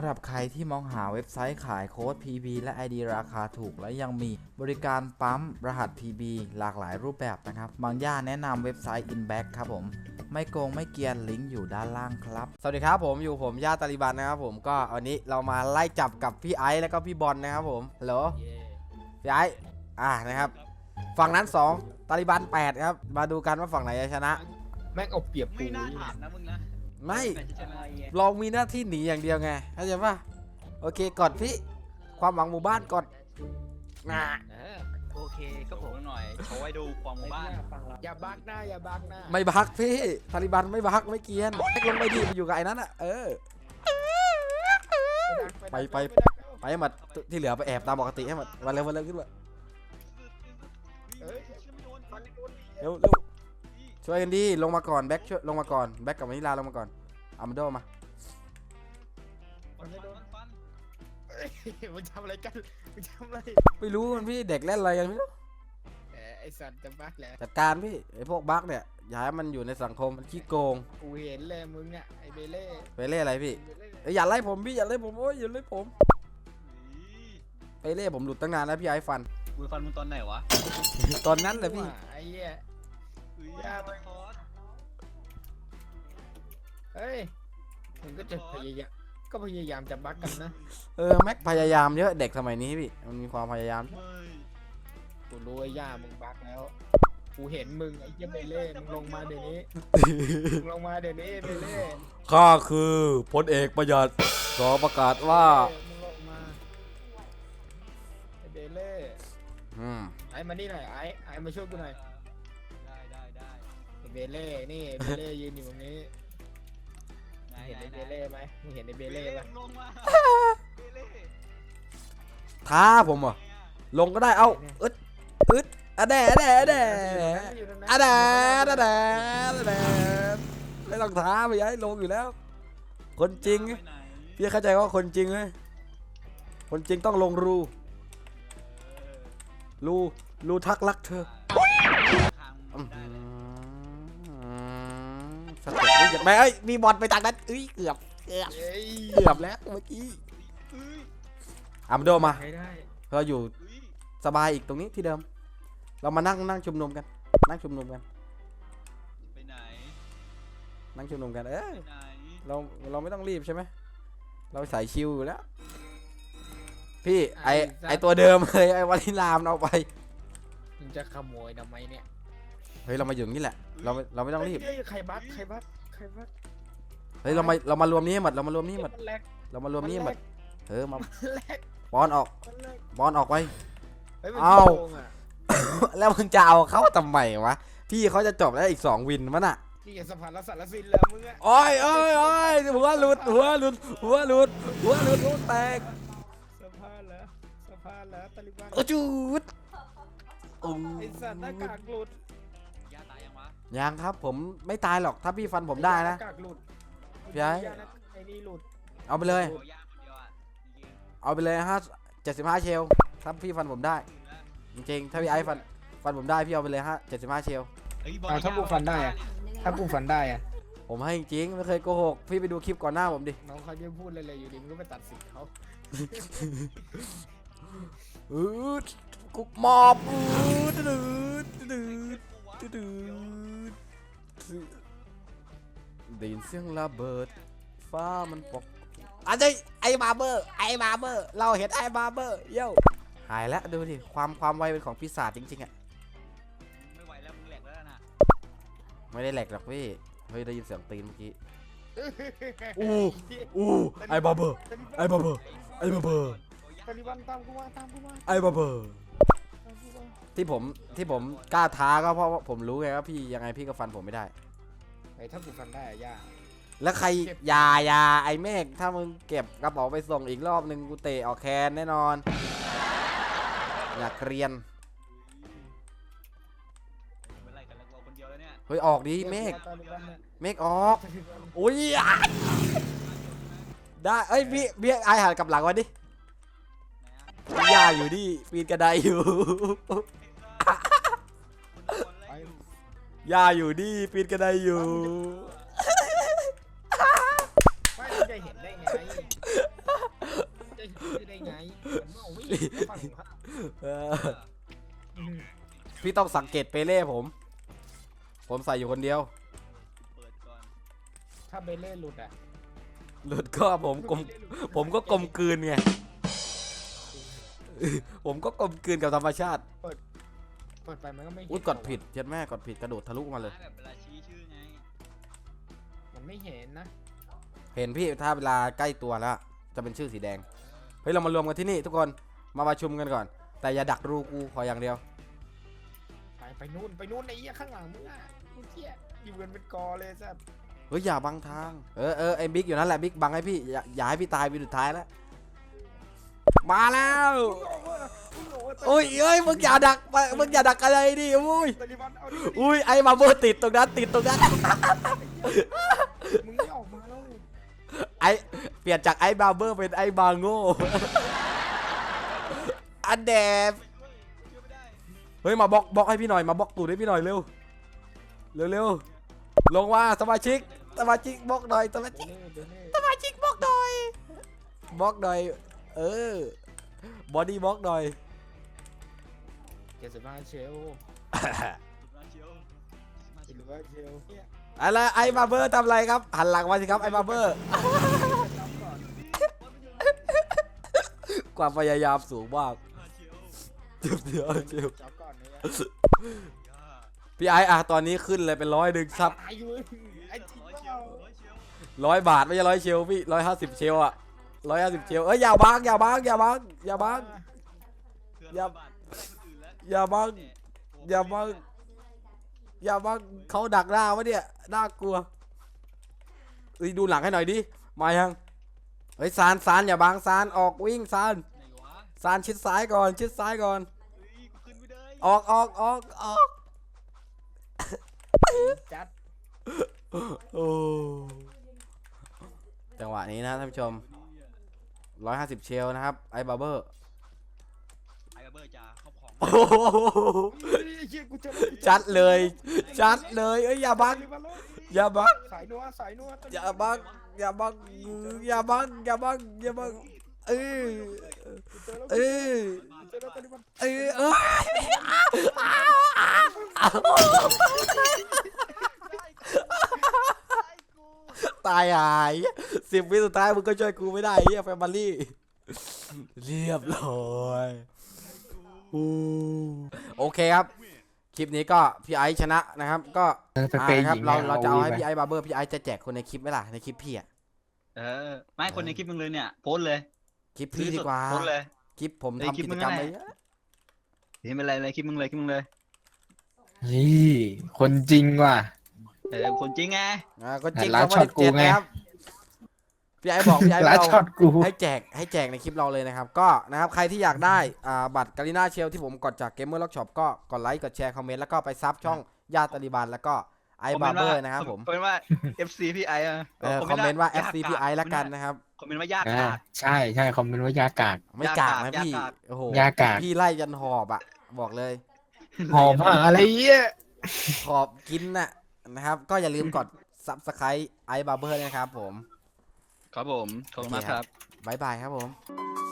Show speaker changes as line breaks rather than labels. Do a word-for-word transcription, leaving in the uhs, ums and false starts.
หรับใครที่มองหาเว็บไซต์ขายโค้ด พี บี และ ไอ ดี ราคาถูกและยังมีบริการปั๊มรหัส พี บี หลากหลายรูปแบบนะครับบางย่าแนะนำเว็บไซต์ Inback ครับผมไม่โกงไม่เกียนลิงก์อยู่ด้านล่างครับสวัสดีครับผมอยู่ผมย่าตาลิบันนะครับผมก็วันนี้เรามาไล่จับกับพี่ไอซ์และก็พี่บอลนะครับผมฮัลโหลพี่ไอซ์อ่านะครับฝั่งนั้นสองตาลิบันแปดครับมาดูกันว่าฝั่งไหนจะชนะ
แม่งเอาเปรียบกู
ไม่น่าถามนะมึงนะ
ไม่ลองมีหน้าที่หนีอย่างเดียวไงเข้าใจป่ะโอเคกดพี่ความหวังหมู่บ้านกดนะ
โอเคก็ผมหน่อยโชว์ให้ดูความหมู่บ้าน
อย่าบักหน้าอย่าบักหน้า
ไม่บักพี่ตาลิบันไม่บักไม่เกียนลงไปดิไปอยู่กับไอ้นั้นอ่ะเออไปไปไปให้หมดที่เหลือไปแอบตามปกติให้หมดวันเร็ววันเร็วขึ้นมาเร็วเร็วช่วยกันดีลงมาก่อนแบ็คช่วยลงมาก่อนแบ็คกับวานิลาลงมาก่อนอามาโดมา
มึงทำอะไรกันมึงทำอะไร
ไม่รู้มันพี่เด็กเล่นอะไรกันไม่รู้
ไอสัตว์จะบักแหละ
จัดการพี่ไอพวกบักเนี่ยอย่าให้มันอยู่ในสังคมมันขี้โกง
กูเห็นเลยมึงอ่ะไอเบเล่
ไปเล่อะไรพี่อย่าไล่ผมพี่อย่าไล่ผมโอ้ยอย่าไล่ผมไปเล่ผมหลุดตั้งนานแล้วพี่ไอ้ฟัน
กูฟันมึงตอนไหนวะ
ตอนนั้นเลยพี่
ไอ้เหี้ยยาไปคอสเฮ้ยมึงก็จะพยายามก็พยายามจะบักกันนะ
เออแม็กพยายามเยอะเด็กสมัยนี้พี่มันมีความพยายาม
กูรู้ไอ้ย่ามึงบักแล้วกูเห็นมึงไอ้เหี้ยเบเล่มึงลงมาเดี๋ยวนี้มึงลงมาเดี๋ยวนี้เบเล่
ข้าคือพลเอกประหยัดขอประกาศว่า
มึงลงมาไอ้เบเล่
อืม
ไอ้มานี่หน่อยไอ้ไอ้มาช่วยกูหน่อย
ได้ได้ได้
ไอ้เบเล่นี่เบเล่ยืนอยู่ตรงนี้เห็นไอ้เบเล่ไหมมึงเห็นไอ้เบเล่ไหม
ท้าผมอ่ะลงก็ได้เอ้าอึดอึดอะแดะแดะแดะอะแดะอะแดะอะแดะไม่ต้องท้าไปย้ายลงอยู่แล้วคนจริงพี่เข้าใจว่าคนจริงไหมคนจริงต้องลงรูรูรูทักรักเธอสเต็ปนี่ไม่เอ้ยมีบอลไปจากนั้นเอ้ยเกือบเกือบเกือบแล้วเมื่อกี้อามาโดมาเราอยู่สบายอีกตรงนี้ที่เดิมเรามานั่งนั่งชุมนุมกันนั่งชุมนุมกัน
ไปไหน
นั่งชุมนุมกันเออเราเราไม่ต้องรีบใช่ไหมเราใส่ชิวอยู่แล้วพี่ไอไอตัวเดิมเลยไอวานิลามเอาไป
มึงจะขโมยทำไมเนี่ย
เฮ้ยเรามาอยู่นี่แหละเราเราไม่ต้องรีบ
ใครบักใครบักใครบัก
เฮ้ยเรามาเรามารวมนี้หมดเรามารวมนี้หมดเรามารวมนี้หมดเออมาบอลออกบอลออกไปเอาแล้วมึงจะเอาเขาทำไมวะพี่เขาจะจบแล้วอีกสองวินมั้งน่ะ
นี่อย่าสะพานรัศดรสินแล้วมึงอะ
โอ้ยโอ้ยโอ้ยหัวหลุดหัวหลุดหัวหลุดหัวหลุดหัวแตก
สะพานแล้วสะพานแล้วตาลิบัน
โอ้จุด
ไอสัตว์หน้ากากหลุด
ย่าตายยังวะ
ยังครับผมไม่ตายหรอกถ้าพี่ฟันผมได้นะพี่ไอ้
ไอ้นี่หลุด
เอาไปเลยเอาไปเลยห้าเจ็ดสิบห้าเชลถ้าพี่ฟันผมได้จริงๆถ้าพี่ไอ้ฟันฟันผมได้พี่เอาไปเลยฮะเจ็ดสิบห้าเชล
ถ้ากูฟันได้อะถ้ากูฟันได้อะ
ผมให้จริงไม่เคยโกหกพี่ไปดูคลิปก่อนหน้าผมดิ
น้องเขาจะพูดอะไรๆอยู่ดิมึงก็ไปตัดสินเขา
อืดกุกมอบอืดดืดดืดดืดได้ยินเสียงระเบิดฟ้ามันปกอันนี้ไอ้บาร์เบอร์ไอ้บาร์เบอร์เราเห็นไอ้บาร์เบอร์เย้หายแล้วดูดิความความไวเป็นของปีศาจจริงๆอ่ะ
ไม่ไหวแล้วมึงแหลกแล้วนะ
ไม่ได้แหลกหรอกพี่เฮ้ยได้ยินเสียงตีนเมื่อกี้อู้อู้ไอ้บาร์เบอร์ไอ้บาร์เบอร์ไอ้บาร์เบอร์
ตาลิบันตามกูมาตามกูมา
ไอ้บาร์เบอร์ที่ผมที่ผมกล้าท้าก็เพราะผมรู้ไงว่าพี่ยังไงพี่ก็ฟันผมไม่ได้
ไอ้ถ้ากูฟันได้อะย่า
แล้วใครยายาไอเมฆถ้ามึงเก็บกระเป๋าไปส่งอีกรอบนึงกูเตะออกแคนแน่นอนอยากเรียนเฮ้ยออกดิเมฆเมฆออกอุ้ยได้เอ้ยพี่พี่ไอหันกลับหลังวันดิย่าอยู่ดิปีนกระไดอยู่ย่าอยู่ดิปีนกระไดอยู่
ไม่จะเห็นได้ไงฝั่งข้าง
เออพี่ต้องสังเกตเปเล่ผม ผมใส่อยู่คนเดียว
เปิดก่อน
ถ้าเบเล่หลุดอ่ะ
หลุดก็ผมกลมผมก็กลมกลืนไง ผมก็กลมกลืนกับธรรมชาติ
เปิดไปมันก็ไม่เห็น
อุ้ยกดผิดเจ็ดแม่กดผิดกระโดดทะลุมาเลย
แบบเวลาชี้ชื่อไง
มันไม่เห็นนะ
เห็นพี่ถ้าเวลาใกล้ตัวแล้ว จะเป็นชื่อสีแดง เฮ้ยเรามารวมกันที่นี่ทุกคนมาประชุมกันก่อน แต่อย่าดักรูกูขออย่างเดียว
ไปไปนู่นไปนู่นไอ้เหี้ยข้างหลังมึงอ่ะไอ้เหี้ยอยู่กันเป็นกอเลยสัส
เฮ้ยอย่าบังทาง เออเออไอ้บิ๊กอยู่นั่นแหละบิ๊กบังให้พี่อย่าอย่าให้พี่ตายวินสุดท้ายแล้ว มาแล้วอุ้ยเอ้ยมึงอย่าดักมึงอย่าดักอะไรดิอุ้ย
ตาลิบันเอาดิ
อุ้ยไอ้มาเบอร์ติดตรงนั้นติดตรงนั้น
มึงไม่ออกมาแล้ว
ไอเปลี่ยนจากไอ้บาร์เบอร์เป็นไอ้บาโง่อันแดบเฮ้ยมาบล็อกบล็อกให้พี่หน่อยมาบล็อกตูดให้พี่หน่อยเร็วเร็วเร็วลงว่าสมาชิกสมาชิกบล็อกหน่อยสมาชิก
เบเล่เบเล่
สมาชิกบล็อกหน่อยบล็อกหน่อยเออบอดี้บล็อกหน่อย
เจ็ดสิบห้าเชล
มาเชียว
เจ็ดสิบห้าเชลเนี่ย
อะไรไอ้บาร์เบอร์ทำอะไรครับหันหลังมาสิครับไอ้บาร์เบอร์
จับก่อน
ความพยายามสูงมาก
มาเชียว
เจ็บเดียวเจ็บ
จับก่อนเนี่ย
พี่ไอ้อะตอนนี้ขึ้นเลยเป็นร้อยหนึ่งครับ
ตายอยู่ไอ้จริง
ร้อย
เป
เชีย
ล่าว
ร้อยเชียว
ร้อยบาทไม่ใช่ร้อยเชลพี่ร้อยห้าสิบเชลอะร้อยห้าสิบเชลเอ้ยอย่าบังอย่าบังอย่าบังอย่าบัง
เพื่อน
อย่า
บาทไม่ได้คนอื่นแล้ว
อย่าบังอย่าบังอย่าบังเขาดักหน้าวะเนี่ยน่ากลัวเอ้ยดูหลังให้หน่อยดิมายังเฮ้ยซานซานอย่าบังซานออกวิ่งซาน
ไหนวะ
ซานชิดซ้ายก่อนชิดซ้ายก่อน
เฮ้ยกูขึ้นไม่ได้
ออกออกออกออก
จัด
โอ้จังหวะนี้นะท่านผู้ชมร้อยห้าสิบเชลนะครับไอ้บาร์เบอร์
ไอ้เบอร์จ่าครอบของ
โอ้โห
เฮ้ยไอ้เหี้ยกูเจอแล้วกูเจอ
จัดเลย จัดเลยเอ้ยอย่าบัง
ตาลิบันแล้ว
อย่าบัง
สายนัวสายนัวตาลิ
อย่าบังอย่าบังอย่าบังอย่าบังอย่าบังเออ
กูเจอแล้ว
เออ
กูเจอแล้วตาลิบัน
เออเออตายหายสิบวิสุดท้ายมึงก็ช่วยกูไม่ได้เฮียแฟมิลี่เรียบร้อยอู้โอเคครับคลิปนี้ก็พี่ไอซ์ชนะนะครับก็
ไปเปย์
อ่า
ห
ครับ
ญิง
เราเราจะเอาให้
ไป
พี่ไอซ์บาร์เบอร์พี่ไอซ์จะแจกคนในคลิปไหมล่ะในคลิปพี่อะ
เออไม่คนในคลิปมึงเลยเนี่ยโพสเลย
คลิปพี่ดีกว่า
โพสเลย
คลิปผม
เอ้ย
ทำ
คลิป
กิ
มึ
จ
ง
กรรม
นั่
ไป
นแหละ
เยอะ
นี่เป็นไรเลยคลิปมึงเลยคลิปมึงเลย
นี่คนจริงว่ะ
เออคนจริงไง
อ่าก็จริง
ร้าน
ก็
ช็อตกู
เจ็ด
ไง
นะครับพี่ไอซ์บอกพี่ไอซ์
ร้าน
เรา
ช็อตกู
ให้แจกให้แจกในคลิปเราเลยนะครับก็นะครับใครที่อยากได้อ่าบัตรการีนาเชลที่ผมกดจากเกมเมอร์ล็อกช็อปก็กดไลค์กดแชร์คอมเมนต์แล้วก็ไปซับช่องญาติตาลิบันแล้วก็ไอบาร์เบอร์นะครับผม
คอมเมนต์ว่า เอฟ ซี พี่ไออะ
เออคอมเมนต์ว่า เอฟ ซี พี ไอ แล้วกันนะครับ
คอมเมนต์ว่ายาก
อ่า
ขาด
ใช่ใช่คอมเมนต์ว่ายากาด
ไม่กากนะ
ยาก
พี่
กาก
โอ้โห
ยากาด
พี่ไล่ยันหอบอ่ะบอกเลย
หอมอ่ะอะไรเงี้ย
หอบกินน่ะนะครับก็อย่าลืมกด ซับสไครบ์ไอบาร์เบอร์นะครับผม
ครับผมขอบคุณมากครับ
บ๊ายบายครับผม